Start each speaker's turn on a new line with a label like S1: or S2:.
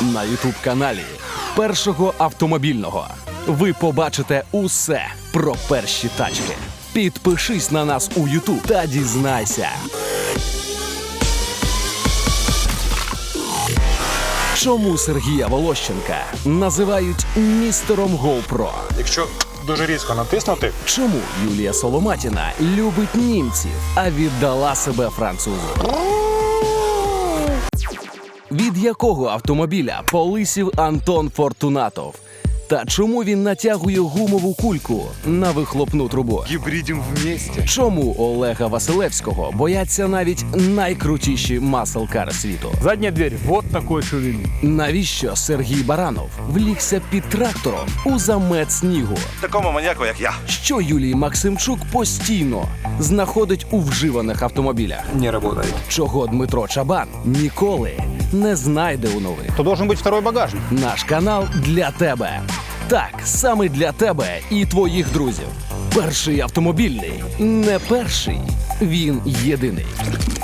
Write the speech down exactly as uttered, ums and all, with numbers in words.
S1: на ютуб-каналі Першого автомобільного. Ви побачите усе про перші тачки. Підпишись на нас у ютуб та дізнайся. Чому Сергія Волощенка називають містером GoPro?
S2: Якщо дуже різко натиснути,
S1: Чому Юлія Соломатіна любить німців, а віддала себе французу? Від якого автомобіля полисів Антон Фортунатов? Та чому він натягує гумову кульку на вихлопну трубу?
S2: гібридім вместе.
S1: Чому Олега Василевського бояться навіть найкрутіші маслкари світу?
S3: Задняя дверь вот такой ширины.
S1: Навіщо Сергій Баранов влігся під трактором у замет снігу?
S4: Такому маньяку, як я.
S1: Що Юлій Максимчук постійно знаходить у вживаних автомобілях?
S2: Не работает.
S1: Чого Дмитро Чабан ніколи не знайде у нових?
S3: То должен быть второй багажник.
S1: Наш канал для тебе. Так, саме для тебе і твоїх друзів. Перший автомобільний. Не перший. Він єдиний.